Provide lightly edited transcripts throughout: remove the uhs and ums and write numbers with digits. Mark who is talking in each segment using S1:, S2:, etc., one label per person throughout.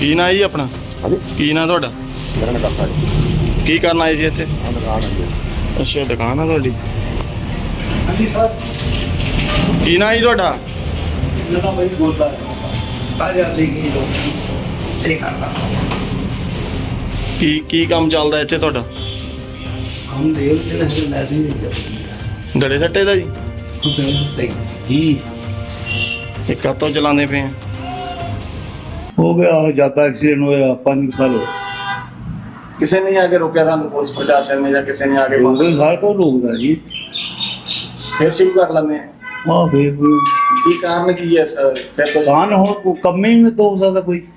S1: ਕੀ ਨਾਂ ਜੀ ਆਪਣਾ?
S2: ਹਾਂਜੀ
S1: ਕੀ ਨਾਂ ਤੁਹਾਡਾ?
S2: ਮੇਰਾ ਨਾਮ ਕਾਕਾ ਜੀ।
S1: ਕੀ ਕਰਨ ਆਏ ਜੀ ਇੱਥੇ?
S2: ਦੁਕਾਨ ਹੈ ਜੀ।
S1: ਅੱਛਾ, ਦੁਕਾਨ ਆ ਤੁਹਾਡੀ।
S3: ਹਾਂਜੀ ਸਰ,
S1: ਕੀ ਨਾਂ ਜੀ ਤੁਹਾਡਾ?
S3: ਜਦੋਂ ਮੈਂ ਬੋਲਦਾ ਆ ਜਾਂਦੀ ਕੀ ਲੋ ਠੀਕ ਕਰਦਾ
S1: ਕੀ ਕੰਮ ਚੱਲਦਾ ਇੱਥੇ ਤੁਹਾਡਾ?
S3: ਹਮ ਦੇਵ ਤੇ ਨਹੀਂ ਲੈਦੀ ਨਹੀਂ
S1: ਡੜੇ ਸੱਟੇ ਦਾ ਜੀ?
S3: ਜਾਂਦੇ ਜੀ
S1: ਇਹ ਕਦੋਂ ਚਲਾਉਂਦੇ ਪਏ ਆ?
S3: ਹੋ ਗਿਆ ਜਿਆਦਾ ਐਕਸੀਡੈਂਟ ਹੋਇਆ 5 ਸਾਲ ਹੋ
S4: ਕਿਸੇ ਨੇ आके रोका था पुलिस प्रशासन ने या किसी ने आके
S3: ਗਏ ਹਰ ਕੋਈ ਰੋਕਦਾ ਜੀ
S4: फिर शुरू कर लेंगे
S3: ਹਾਂ ਫੇਰ
S4: की कारण की है सर फिर तो
S3: ਕਾਨ ਹੁਣ ਕੋ ਕੰਮੇ ਹੀ ਤਾਂ ਹੋ ਸਕਦਾ ਕੋਈ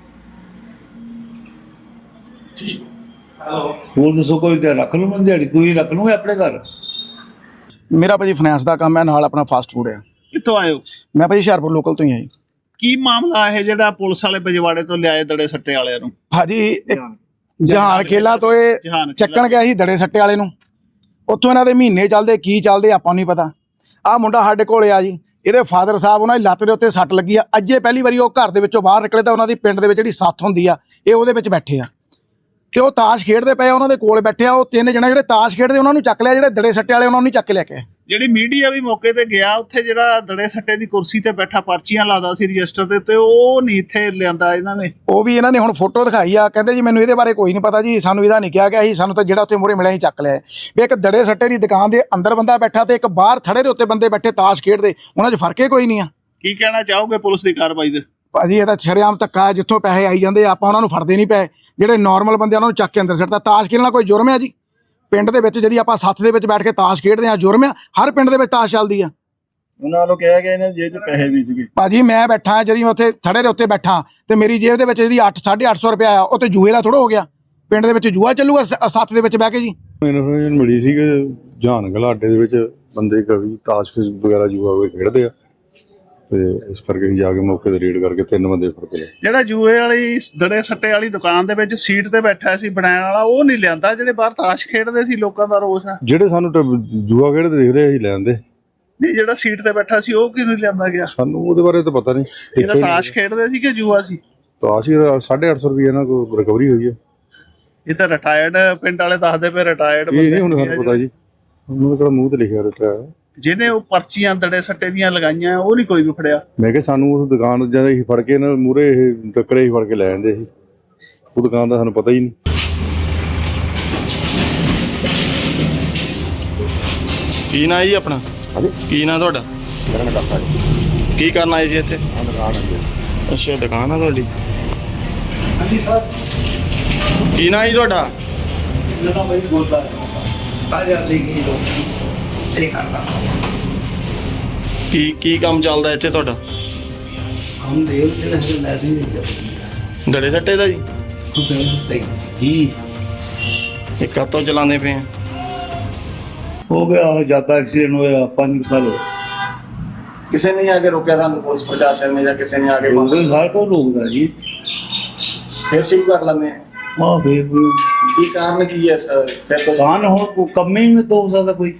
S4: हेलो
S3: ਹੋਰ ਦੱਸੋ ਕੋਈ ਤੇ ਰੱਖ ਲੂ ਮੈਂ ਦਿਹਾੜੀ ਤੂੰ ਹੀ ਰੱਖ ਲੂਗਾ ਆਪਣੇ ਘਰ
S5: ਮੇਰਾ ਭਾਜੀ ਫਾਈਨੈਂਸ ਦਾ ਕੰਮ ਹੈ, ਨਾਲ ਆਪਣਾ ਫਾਸਟ ਫੂਡ ਹੈ।
S6: ਕਿੱਥੋਂ ਆਏ ਹੋ?
S5: ਮੈਂ ਭਾਜੀ ਹੁਸ਼ਿਆਰਪੁਰ ਲੋਕਲ ਤੋਂ ਹੀ ਹਾਂ ਜੀ।
S6: ਕੀ ਮਾਮਲਾ ਇਹ ਜਿਹੜਾ ਪੁਲਿਸ ਵਾਲੇ ਪਜਵਾੜੇ ਤੋਂ ਲਿਆਏ ਦੜੇ ਸੱਟੇ ਵਾਲਿਆਂ ਨੂੰ?
S5: ਭਾਜੀ ਜਹਾਨ ਖੇਲਾ ਤੋਂ ਇਹ
S6: ਜਹਾਨ
S5: ਚੱਕਣ ਗਿਆ ਸੀ ਦੜੇ ਸੱਟੇ ਵਾਲੇ ਨੂੰ। ਉੱਥੋਂ ਇਹਨਾਂ ਦੇ ਮਹੀਨੇ ਚੱਲਦੇ ਕੀ ਚੱਲਦੇ ਆਪਾਂ ਨੂੰ ਨਹੀਂ ਪਤਾ। ਆਹ ਮੁੰਡਾ ਸਾਡੇ ਕੋਲੇ ਆ ਜੀ, ਇਹਦੇ ਫਾਦਰ ਸਾਹਿਬ ਉਹਨਾਂ ਦੀ ਲੱਤ ਦੇ ਉੱਤੇ ਸੱਟ ਲੱਗੀ ਆ। ਅੱਜੇ ਪਹਿਲੀ ਵਾਰੀ ਉਹ ਘਰ ਦੇ ਵਿੱਚੋਂ ਬਾਹਰ ਨਿਕਲੇ ਤਾਂ ਉਹਨਾਂ ਦੀ ਪਿੰਡ ਦੇ ਵਿੱਚ ਜਿਹੜੀ ਸੱਥ ਹੁੰਦੀ ਆ, ਇਹ ਉਹਦੇ ਵਿੱਚ ਬੈਠੇ ਆ ਤੇ ਉਹ ਤਾਸ਼ ਖੇਡਦੇ ਪਏ, ਉਹਨਾਂ ਦੇ ਕੋਲ ਬੈਠੇ ਆ। ਉਹ ਤਿੰਨ ਜਣੇ ਜਿਹੜੇ ਤਾਸ਼ ਖੇਡਦੇ ਉਹਨਾਂ ਨੂੰ ਚੱਕ ਲਿਆ, ਜਿਹੜੇ ਦੜੇ ਸੱਟੇ ਵਾਲੇ ਉਹਨਾਂ ਨੂੰ ਚੱਕ ਕੇ ਲੈ ਕੇ ਆਏ।
S6: ਜਿਹੜੀ ਮੀਡੀਆ ਵੀ ਮੌਕੇ ਤੇ ਗਿਆ, ਉੱਥੇ ਜਿਹੜਾ ਦੜੇ ਸੱਟੇ ਦੀ ਕੁਰਸੀ ਤੇ ਬੈਠਾ ਪਰਚੀਆਂ ਲਾਦਾ ਸੀ ਰਜਿਸਟਰ ਦੇ ਉੱਤੇ, ਉਹ ਨਹੀਂ ਇੱਥੇ ਲਿਆਂਦਾ ਇਹਨਾਂ ਨੇ।
S5: ਉਹ ਵੀ ਇਹਨਾਂ ਨੇ ਹੁਣ ਫੋਟੋ ਦਿਖਾਈ ਆ, ਕਹਿੰਦੇ ਜੀ ਮੈਨੂੰ ਇਹਦੇ ਬਾਰੇ ਕੋਈ ਨਹੀਂ ਪਤਾ ਜੀ, ਸਾਨੂੰ ਇਹਦਾ ਨਹੀਂ ਕਿਹਾ ਗਿਆ ਸੀ, ਸਾਨੂੰ ਤਾਂ ਜਿਹੜਾ ਉੱਥੇ ਮੂਹਰੇ ਮਿਲਿਆ ਸੀ ਚੱਕ ਲਿਆ। ਵੀ ਇੱਕ ਦੜੇ ਸੱਟੇ ਦੀ ਦੁਕਾਨ ਦੇ ਅੰਦਰ ਬੰਦਾ ਬੈਠਾ ਤੇ ਇੱਕ ਬਾਹਰ ਥੜੇ ਦੇ ਉੱਤੇ ਬੰਦੇ ਬੈਠੇ ਤਾਸ਼ ਖੇਡਦੇ, ਉਹਨਾਂ 'ਚ ਫਰਕ ਹੀ ਕੋਈ ਨਹੀਂ ਆ।
S6: ਕੀ ਕਹਿਣਾ ਚਾਹੋਗੇ ਪੁਲਿਸ ਦੀ ਕਾਰਵਾਈ ਦੇ?
S5: ਭਾਜੀ ਇਹ ਤਾਂ ਸ਼ਰੇਆਮ ਧੱਕਾ ਹੈ, ਜਿੱਥੋਂ ਪੈਸੇ ਆਈ ਜਾਂਦੇ ਆਪਾਂ ਉਹਨਾਂ ਨੂੰ ਫੜਦੇ ਨਹੀਂ ਪਏ। ਜਿਹੜੇ ਨਾਰਮਲ ਬੰਦੇ ਉਹਨਾਂ ਨੂੰ ਚੱਕ ਕੇ ਅੰਦਰ ਸਿੱਟਦਾ। ਤਾਸ਼ ਖੇਡਣਾ ਕੋਈ ਜੁਰਮ ਹੈ ਜੀ? ਪਿੰਡ ਦੇ ਵਿੱਚ ਜਦੀ ਆਪਾਂ ਸੱਥ ਦੇ ਵਿੱਚ ਬੈਠ ਕੇ ਤਾਸ਼ ਖੇਡਦੇ ਆ, ਜੁਰਮ ਆ? ਹਰ ਪਿੰਡ ਦੇ ਵਿੱਚ ਤਾਸ਼ ਚੱਲਦੀ ਆ।
S4: ਉਹਨਾਂ ਨੂੰ ਕਿਹਾ ਗਿਆ ਇਹਨਾਂ ਜੇਬ 'ਚ ਪੈਸੇ ਵੀ ਸੀਗੇ
S5: ਭਾਜੀ ਮੈਂ ਬੈਠਾ ਜਦੀ ਉੱਥੇ ਥੜੇ ਦੇ ਉੱਤੇ ਬੈਠਾ ਤੇ ਮੇਰੀ ਜੇਬ ਦੇ ਵਿੱਚ ਜਿਹਦੀ 8-850 ਰੁਪਇਆ ਆ, ਉਹ ਤੇ ਜੂਏ ਦਾ ਥੋੜਾ ਹੋ ਗਿਆ। ਪਿੰਡ ਦੇ ਵਿੱਚ ਜੂਆ ਚੱਲੂਗਾ ਸੱਥ ਦੇ ਵਿੱਚ ਬਹਿ ਕੇ ਜੀ?
S2: ਇਨਫੋਰਮੇਸ਼ਨ ਮਿਲੀ ਸੀ ਕਿ ਜਹਾਨ ਘਲਾਟੇ ਦੇ ਵਿੱਚ ਬੰਦੇ ਕਵੀ ਤਾਸ਼ ਵਗੈਰਾ ਜੂਆ ਹੋਏ ਖੇਡਦੇ ਆ ਤੇ ਇਸ ਕਰਕੇ ਅਸੀਂ ਜਾ ਕੇ ਮੌਕੇ ਤੇ ਰੇਡ ਕਰਕੇ 3 ਬੰਦੇ ਫੜ ਕੇ ਲਏ।
S6: ਜਿਹੜਾ ਜੂਏ ਵਾਲੀ ਦੜੇ ਸੱਟੇ ਵਾਲੀ ਦੁਕਾਨ ਦੇ ਵਿੱਚ ਸੀਟ ਤੇ ਬੈਠਾ ਸੀ ਬਣਾਉਣ ਵਾਲਾ, ਉਹ ਨਹੀਂ ਲਿਆਂਦਾ। ਜਿਹੜੇ ਬਾਹਰ ਤਾਸ਼ ਖੇਡਦੇ ਸੀ, ਲੋਕਾਂ ਦਾ ਰੋਸ ਆ।
S2: ਜਿਹੜੇ ਸਾਨੂੰ ਜੂਆ ਖੇਡਦੇ ਦਿਖ ਰਹੇ ਅਸੀਂ ਲੈ ਆਂਦੇ।
S6: ਨਹੀਂ, ਜਿਹੜਾ ਸੀਟ ਤੇ ਬੈਠਾ ਸੀ ਉਹ ਕਿਉਂ ਨਹੀਂ ਲਿਆਂਦਾ ਗਿਆ?
S2: ਸਾਨੂੰ ਉਹਦੇ ਬਾਰੇ ਤਾਂ ਪਤਾ ਨਹੀਂ।
S6: ਜਿਹੜਾ ਤਾਸ਼ ਖੇਡਦੇ ਸੀ ਕਿ ਜੂਆ ਸੀ?
S2: ਤਾਸ਼ ਹੀ 850 ਰੁਪਏ ਇਹਨਾਂ ਕੋਲ ਰਿਕਵਰੀ ਹੋਈ ਹੈ।
S6: ਇਹ ਤਾਂ ਰਿਟਾਇਰਡ ਪਿੰਡ ਵਾਲੇ ਦੱਸਦੇ ਪਏ, ਰਿਟਾਇਰਡ
S2: ਇਹ ਨਹੀਂ ਹੁਣ ਸਾਨੂੰ ਪਤਾ ਜੀ, ਉਹਨਾਂ ਦਾ ਕਿਹੜਾ ਮੂੰਹ ਤੇ ਲਿਖਿਆ ਰੱਖਿਆ।
S6: ਜਿਹਨੇ ਉਹ ਪਰਚੀਆਂ ਦੜੇ ਸੱਟੇ ਦੀਆਂ ਲਗਾਈਆਂ, ਉਹ ਨਹੀਂ ਕੋਈ ਵੀ ਫੜਿਆ।
S2: ਮੈਂ ਕਿਹਾ ਸਾਨੂੰ ਉਸ ਦੁਕਾਨ ਜਦੋਂ ਅਸੀਂ ਫੜ ਕੇ ਇਹਨਾਂ ਮੂਹਰੇ ਇਹ ਟੱਕਰੇ ਹੀ ਫੜ ਕੇ ਲੈ ਜਾਂਦੇ ਸੀ, ਉਹ ਦੁਕਾਨ ਦਾ ਸਾਨੂੰ ਪਤਾ ਹੀ ਨਹੀਂ।
S1: ਕੀ ਨਾਂ ਜੀ ਆਪਣਾ?
S2: ਹਾਂਜੀ
S1: ਕੀ ਨਾਂ ਤੁਹਾਡਾ?
S2: ਮੇਰਾ ਨਾਮ ਕਾਕਾ ਜੀ।
S1: ਕੀ ਕਰਨ ਆਏ ਜੀ ਇੱਥੇ?
S2: ਦੁਕਾਨ ਹੈ ਜੀ।
S1: ਅੱਛਾ, ਦੁਕਾਨ ਆ ਤੁਹਾਡੀ।
S3: ਹਾਂਜੀ ਸਰ,
S1: ਕੀ ਨਾਂ ਜੀ ਤੁਹਾਡਾ?
S3: ਜਦੋਂ ਮੈਂ ਬੋਲਦਾ ਆ ਜਾਂਦੀ ਕੀ ਲੋ ਠੀਕ ਕਰਦਾ
S1: ਕੀ ਕੰਮ ਚੱਲਦਾ ਇੱਥੇ ਤੁਹਾਡਾ?
S3: ਹਮ ਦੇਵ ਤੇ ਨਹੀਂ ਲੈਦੀ ਨਹੀਂ
S1: ਡੜੇ ਸੱਟੇ ਦਾ ਜੀ?
S3: ਜਾਂਦੇ ਜੀ
S1: ਇਹ ਕਦੋਂ ਚਲਾਉਂਦੇ ਪਏ ਆ?
S3: ਹੋ ਗਿਆ ਜਿਆਦਾ ਐਕਸੀਡੈਂਟ ਹੋਇਆ 5 ਸਾਲ ਹੋ
S4: किसी ने आके रोका था पुलिस प्रशासन ने या किसी ने आके
S3: ਗਏ ਹਰ ਕੋਈ ਰੋਕਦਾ ਜੀ
S4: फिर शुरू कर लेंगे
S3: ਹਾਂ ਫੇਰ
S4: की कारण की है सर फिर तो
S3: ਕਾਨ ਹੁਣ ਕੋ ਕੰਮੇ ਹੀ ਤਾਂ ਹੋ ਸਕਦਾ ਕੋਈ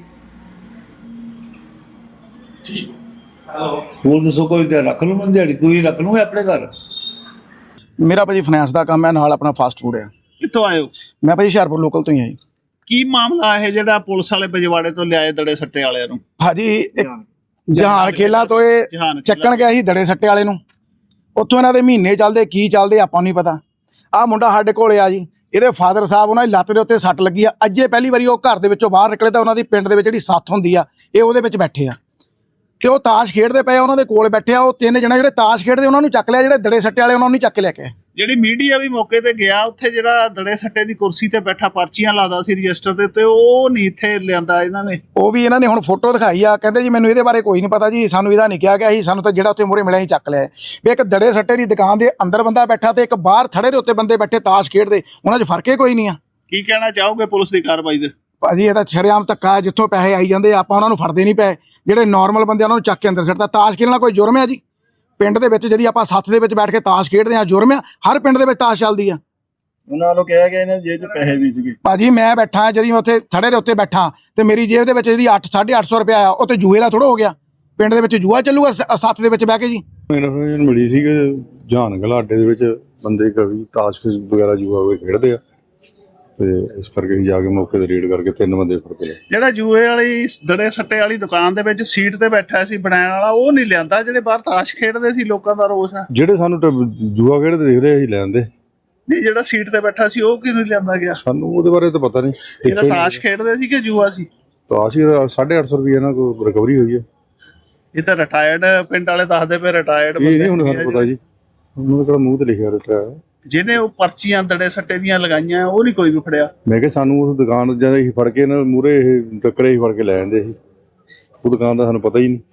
S4: हेलो
S3: ਹੋਰ ਦੱਸੋ ਕੋਈ ਤੇ ਰੱਖ ਲੂ ਮੈਂ ਦਿਹਾੜੀ ਤੂੰ ਹੀ ਰੱਖ ਲੂਗਾ ਆਪਣੇ ਘਰ
S5: ਮੇਰਾ ਭਾਜੀ ਫਾਈਨੈਂਸ ਦਾ ਕੰਮ ਹੈ, ਨਾਲ ਆਪਣਾ ਫਾਸਟ ਫੂਡ ਹੈ।
S6: ਕਿੱਥੋਂ ਆਏ ਹੋ?
S5: ਮੈਂ ਭਾਜੀ ਹੁਸ਼ਿਆਰਪੁਰ ਲੋਕਲ ਤੋਂ ਹੀ ਹਾਂ ਜੀ।
S6: ਕੀ ਮਾਮਲਾ ਇਹ ਜਿਹੜਾ ਪੁਲਿਸ ਵਾਲੇ ਪਜਵਾੜੇ ਤੋਂ ਲਿਆਏ ਦੜੇ ਸੱਟੇ ਵਾਲਿਆਂ ਨੂੰ?
S5: ਭਾਜੀ ਜਹਾਨ ਖੇਲਾ ਤੋਂ ਇਹ
S6: ਜਹਾਨ
S5: ਚੱਕਣ ਗਿਆ ਸੀ ਦੜੇ ਸੱਟੇ ਵਾਲੇ ਨੂੰ। ਉੱਥੋਂ ਇਹਨਾਂ ਦੇ ਮਹੀਨੇ ਚੱਲਦੇ ਕੀ ਚੱਲਦੇ ਆਪਾਂ ਨੂੰ ਨਹੀਂ ਪਤਾ। ਆਹ ਮੁੰਡਾ ਸਾਡੇ ਕੋਲੇ ਆ ਜੀ, ਇਹਦੇ ਫਾਦਰ ਸਾਹਿਬ ਉਹਨਾਂ ਦੀ ਲੱਤ ਦੇ ਉੱਤੇ ਸੱਟ ਲੱਗੀ ਆ। ਅੱਜੇ ਪਹਿਲੀ ਵਾਰੀ ਉਹ ਘਰ ਦੇ ਵਿੱਚੋਂ ਬਾਹਰ ਨਿਕਲੇ ਤਾਂ ਉਹਨਾਂ ਦੀ ਪਿੰਡ ਦੇ ਵਿੱਚ ਜਿਹੜੀ ਸੱਥ ਹੁੰਦੀ ਆ, ਇਹ ਉਹਦੇ ਵਿੱਚ ਬੈਠੇ ਆ ਤੇ ਉਹ ਤਾਸ਼ ਖੇਡਦੇ ਪਏ, ਉਹਨਾਂ ਦੇ ਕੋਲ ਬੈਠੇ ਆ। ਉਹ ਤਿੰਨ ਜਣੇ ਜਿਹੜੇ ਤਾਸ਼ ਖੇਡਦੇ ਉਹਨਾਂ ਨੂੰ ਚੱਕ ਲਿਆ, ਜਿਹੜੇ ਦੜੇ ਸੱਟੇ ਵਾਲੇ ਉਹਨਾਂ ਨੂੰ ਚੱਕ ਕੇ ਲੈ ਕੇ ਆਏ।
S6: ਜਿਹੜੀ ਮੀਡੀਆ ਵੀ ਮੌਕੇ ਤੇ ਗਿਆ, ਉੱਥੇ ਜਿਹੜਾ ਦੜੇ ਸੱਟੇ ਦੀ ਕੁਰਸੀ ਤੇ ਬੈਠਾ ਪਰਚੀਆਂ ਲਾਦਾ ਸੀ ਰਜਿਸਟਰ ਦੇ ਉੱਤੇ, ਉਹ ਨਹੀਂ ਇੱਥੇ ਲਿਆਂਦਾ ਇਹਨਾਂ ਨੇ।
S5: ਉਹ ਵੀ ਇਹਨਾਂ ਨੇ ਹੁਣ ਫੋਟੋ ਦਿਖਾਈ ਆ, ਕਹਿੰਦੇ ਜੀ ਮੈਨੂੰ ਇਹਦੇ ਬਾਰੇ ਕੋਈ ਨਹੀਂ ਪਤਾ ਜੀ, ਸਾਨੂੰ ਇਹਦਾ ਨਹੀਂ ਕਿਹਾ ਗਿਆ ਸੀ, ਸਾਨੂੰ ਤਾਂ ਜਿਹੜਾ ਉੱਥੇ ਮੂਹਰੇ ਮਿਲਿਆ ਸੀ ਚੱਕ ਲਿਆ। ਵੀ ਇੱਕ ਦੜੇ ਸੱਟੇ ਦੀ ਦੁਕਾਨ ਦੇ ਅੰਦਰ ਬੰਦਾ ਬੈਠਾ ਤੇ ਇੱਕ ਬਾਹਰ ਥੜੇ ਦੇ ਉੱਤੇ ਬੰਦੇ ਬੈਠੇ ਤਾਸ਼ ਖੇਡਦੇ, ਉਹਨਾਂ 'ਚ ਫਰਕ ਹੀ ਕੋਈ ਨਹੀਂ ਆ।
S6: ਕੀ ਕਹਿਣਾ ਚਾਹੋਗੇ ਪੁਲਿਸ ਦੀ ਕਾਰਵਾਈ ਦੇ?
S5: ਭਾਜੀ ਇਹ ਤਾਂ ਸ਼ਰੇਆਮ ਧੱਕਾ ਹੈ, ਜਿੱਥੋਂ ਪੈਸੇ ਆਈ ਜਾਂਦੇ ਆਪਾਂ ਉਹਨਾਂ ਨੂੰ ਫੜਦੇ ਨਹੀਂ ਪਏ। ਜਿਹੜੇ ਨਾਰਮਲ ਬੰਦੇ ਉਹਨਾਂ ਨੂੰ ਚੱਕ ਕੇ ਅੰਦਰ ਸਿੱਟਦਾ। ਤਾਸ਼ ਖੇਡਣਾ ਕੋਈ ਜੁਰਮ ਹੈ ਜੀ? ਪਿੰਡ ਦੇ ਵਿੱਚ ਜਦੀ ਆਪਾਂ ਸੱਥ ਦੇ ਵਿੱਚ ਬੈਠ ਕੇ ਤਾਸ਼ ਖੇਡਦੇ ਆ, ਜੁਰਮ ਆ? ਹਰ ਪਿੰਡ ਦੇ ਵਿੱਚ ਤਾਸ਼ ਚੱਲਦੀ ਆ।
S4: ਉਹਨਾਂ ਨੂੰ ਕਿਹਾ ਗਿਆ ਇਹਨਾਂ ਜੇਬ 'ਚ ਪੈਸੇ ਵੀ ਸੀਗੇ
S5: ਭਾਜੀ ਮੈਂ ਬੈਠਾ ਜਦੀ ਉੱਥੇ ਥੜੇ ਦੇ ਉੱਤੇ ਬੈਠਾ ਤੇ ਮੇਰੀ ਜੇਬ ਦੇ ਵਿੱਚ ਜਿਹਦੀ 8-850 ਰੁਪਇਆ ਆ, ਉਹ ਤੇ ਜੂਏ ਦਾ ਥੋੜਾ ਹੋ ਗਿਆ। ਪਿੰਡ ਦੇ ਵਿੱਚ ਜੂਆ ਚੱਲੂਗਾ ਸੱਥ ਦੇ ਵਿੱਚ ਬਹਿ ਕੇ ਜੀ?
S2: ਇਨਫੋਰਮੇਸ਼ਨ ਮਿਲੀ ਸੀ ਕਿ ਜਹਾਨ ਘਲਾਟੇ ਦੇ ਵਿੱਚ ਬੰਦੇ ਕਵੀ ਤਾਸ਼ ਵਗੈਰਾ ਜੂਆ ਵਗੈਰਾ ਖੇਡਦੇ ਆ ਤੇ ਇਸ ਕਰਕੇ ਅਸੀਂ ਜਾ ਕੇ ਮੌਕੇ ਤੇ ਰੇਡ ਕਰਕੇ 3 ਬੰਦੇ ਫੜ ਕੇ ਲਏ।
S6: ਜਿਹੜਾ ਜੂਏ ਵਾਲੀ ਦੜੇ ਸੱਟੇ ਵਾਲੀ ਦੁਕਾਨ ਦੇ ਵਿੱਚ ਸੀਟ ਤੇ ਬੈਠਾ ਸੀ ਬਣਾਉਣ ਵਾਲਾ, ਉਹ ਨਹੀਂ ਲਿਆਂਦਾ। ਜਿਹੜੇ ਬਾਹਰ ਤਾਸ਼ ਖੇਡਦੇ ਸੀ, ਲੋਕਾਂ ਦਾ ਰੋਸ ਆ।
S2: ਜਿਹੜੇ ਸਾਨੂੰ ਜੂਆ ਖੇਡਦੇ ਦਿਖ ਰਹੇ ਅਸੀਂ ਲੈਂਦੇ
S6: ਨਹੀਂ, ਜਿਹੜਾ ਸੀਟ ਤੇ ਬੈਠਾ ਸੀ ਉਹ ਕਿਉਂ ਨਹੀਂ ਲਿਆਂਦਾ ਗਿਆ?
S2: ਸਾਨੂੰ ਉਹਦੇ ਬਾਰੇ ਤਾਂ ਪਤਾ ਨਹੀਂ।
S6: ਜਿਹੜਾ ਤਾਸ਼ ਖੇਡਦੇ ਸੀ ਕਿ ਜੂਆ ਸੀ?
S2: ਤਾਸ਼ ਹੀ 850 ਰੁਪਏ ਇਹਨਾਂ ਕੋਲ ਰਿਕਵਰੀ ਹੋਈ ਹੈ।
S6: ਇਹ ਤਾਂ ਰਿਟਾਇਰਡ ਪਿੰਡ ਵਾਲੇ ਦੱਸਦੇ ਪਏ, ਰਿਟਾਇਰਡ
S2: ਇਹ ਨਹੀਂ ਹੁਣ ਸਾਨੂੰ ਪਤਾ ਜੀ, ਉਹਨਾਂ ਦਾ ਕਿਹੜਾ ਮੂੰਹ ਤੇ ਲਿਖਿਆ ਰਿਹਾ।
S6: ਜਿਹਨੇ ਉਹ ਪਰਚੀਆਂ ਦੜੇ ਸੱਟੇ ਦੀਆਂ ਲਗਾਈਆਂ ਉਹ ਨਹੀਂ ਕੋਈ ਵੀ ਫੜਿਆ।
S2: ਮੈਂ ਕਿਹਾ ਸਾਨੂੰ ਉਸ ਦੁਕਾਨ ਜਦ ਅਸੀਂ ਫੜ ਕੇ ਇਹਨਾਂ ਮੂਹਰੇ ਇਹ ਟੱਕਰੇ ਹੀ ਫੜ ਕੇ ਲੈ ਜਾਂਦੇ ਸੀ, ਉਹ ਦੁਕਾਨ ਦਾ ਸਾਨੂੰ ਪਤਾ ਹੀ ਨਹੀਂ।